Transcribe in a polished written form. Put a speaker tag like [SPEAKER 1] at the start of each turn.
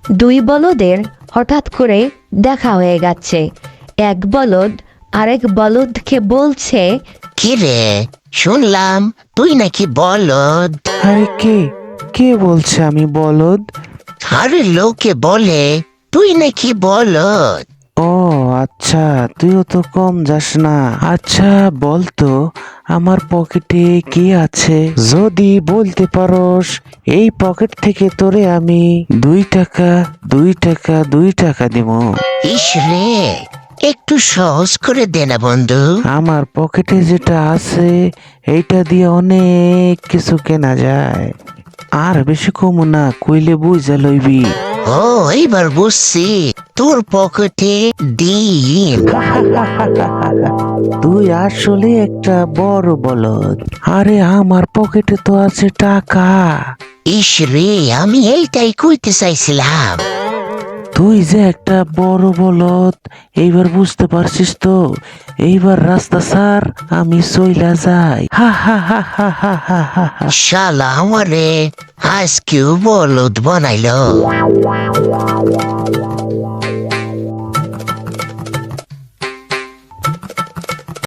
[SPEAKER 1] দুই বলদের হঠাৎ করে দেখা হয়ে গেছে। এক বলদ আরেক বলদকে বলছে,
[SPEAKER 2] কি রে, শুনলাম তুই নাকি বলদ।
[SPEAKER 3] আরে কে কে বলছে আমি বলদ?
[SPEAKER 2] আরে লোকে বলে তুই নাকি বলদ।
[SPEAKER 3] ও আচ্ছা, তুইও তো কম যাস না। আচ্ছা বলতো, আমার পকেটে কি আছে? যদি বলতে পারোস, এই পকেট থেকে তোরে আমি 2 টাকা 2 টাকা 2 টাকা দিব।
[SPEAKER 2] ইস রে, একটু সহজ করে দে না বন্ধু।
[SPEAKER 3] আমার পকেটে যেটা আছে এইটা দিয়ে অনেক কিছু কেনা যায়। আর বেশি কম না, কইলে বুঝা লইবি।
[SPEAKER 2] ও, এইবার বুঝছি, তোর পকেটে ডিম।
[SPEAKER 3] তুই আসলে একটা বড় বলদ। আরে আমার পকেটে তো আছে টাকা।
[SPEAKER 2] ইস রে, আমি এইটাই কইতে চাইছিলাম।
[SPEAKER 3] তুই যে একটা বড় বলদ, এইবার বুঝতে পারছিস তো? এইবার রাস্তা ছাড়, আমি চইলা যাই। হা হা হা হা হা হা হা হা।
[SPEAKER 2] শালা আমারে আজকেও বলদ বানাইলো।